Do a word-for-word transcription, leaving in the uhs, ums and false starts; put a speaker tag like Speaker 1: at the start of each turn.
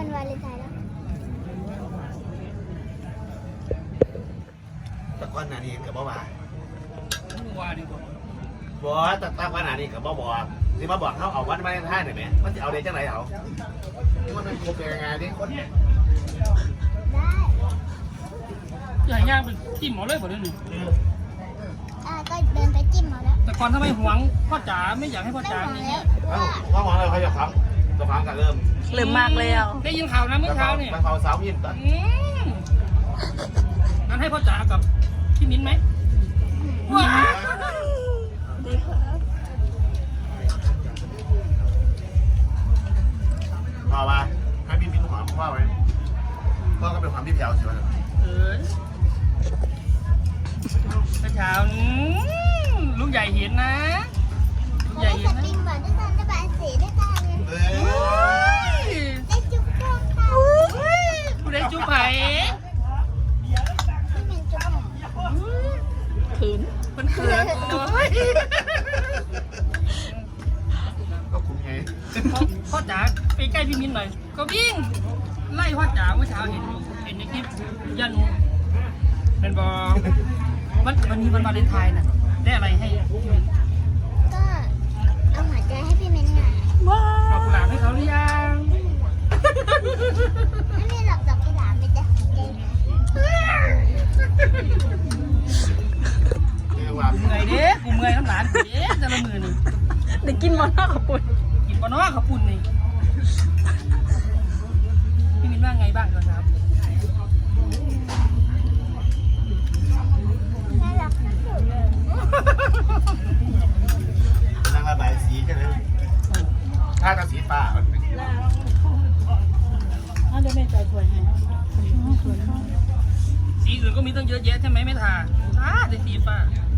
Speaker 1: วันวาเลนไทน์แล้ว
Speaker 2: ตะก้อนนานี่กับบ่าวา
Speaker 3: ว่าดีกว่า
Speaker 2: บ่ตะตะก้อนนานี่กับบ่บอกที่มาบอกเขาเอาวันมาในท่าหน่อยไหมมันจะเอาเด็กจังไรเอามันเป็นครบยังไงดิ
Speaker 1: ได้
Speaker 3: ใหญ่ย่างเป็นจิ้มหมอเลยหมดเลยหนึ่ง
Speaker 1: อ่าก็เดินไปจิ้มเอาแล้ว
Speaker 3: แต่ก่อนทำไมหวงพ่อจ๋าไม่อยากให้พ่อ
Speaker 1: ไม่
Speaker 3: จ๋า
Speaker 1: หวัง
Speaker 3: มี
Speaker 1: แล้ว
Speaker 2: เอ้า
Speaker 1: ว่า
Speaker 2: ว่าหวังอะไรเขาจะฟังจะฟังกันเริ่ม
Speaker 4: ลืมมากแล้ว
Speaker 3: ได้ยินข่าวนะเมื่อเช้าเนี่ย
Speaker 2: มันเขาสาวยิ้มตัด
Speaker 3: อืมงั้นให้พ่อจ๋ากับพี่มิ้นไหมว้า
Speaker 2: พ่อว่าให้พี่มิ้นหอมพ่อไว้พ่อก็เป็นความที่แผ่วใช่ไหม
Speaker 3: เออเมื่อเช้าอืมลูกใหญ่เห็นนะลูก
Speaker 1: เขา
Speaker 3: ใหญ่
Speaker 1: ได้
Speaker 3: เห็
Speaker 1: ส
Speaker 3: นนะ
Speaker 1: ปริงบอร์ดด้วยกันได้บายสีด้วยกัน
Speaker 2: เอ
Speaker 3: โอ้
Speaker 2: อย
Speaker 1: ได้จุ๊บจ้องค่ะ
Speaker 3: ผู้ใดจุ๊บไผ่
Speaker 1: ที่เป็นจุ๊บผม
Speaker 4: ขืน
Speaker 3: เพิ่นเขินโอ้ย
Speaker 2: ก็คุ้มไง
Speaker 3: พ่อพ่อจ๋าไปใกล้พี่มิ้นหน่อยก็วิ่งไล่พ่อจ๋าเมื่อเช้าเห็นอยู่เห็นในคลิปย่านุเป็นบอวันวันนี้วันวาเลนไทน์น่ะได้อะไรให้พี่มิ้น
Speaker 1: ก็เอาหัวใจให้พี่เม้นไง
Speaker 4: ว้า
Speaker 3: ดอกกุหลาบให้เขาหรือยัง
Speaker 1: ไม่มีหรอกดอกกุหลาบมีแต่หัวใจ
Speaker 2: เรียกว่า
Speaker 3: เมื่อยเด้กูเมื่อยน้ำหลานกูเด้แต่ละมือนี่
Speaker 4: ได้กินมอนอกกับปุ่น
Speaker 3: กินปะเนาะขับปุ่นนี่พี่มิ้นว่าไงบ้างก่อนครับ
Speaker 1: น่ารักที่สุดเลย
Speaker 2: นั่งระบายสีกันเลยถ้ากับสีฟ้ามันเป็น
Speaker 4: อ้าวเดี๋ยวแม่ใจถวยให้
Speaker 3: สีอื่นก็มีตั้งเยอะแยะใช่ไหมไม่ทาทาแต่สีฟ้า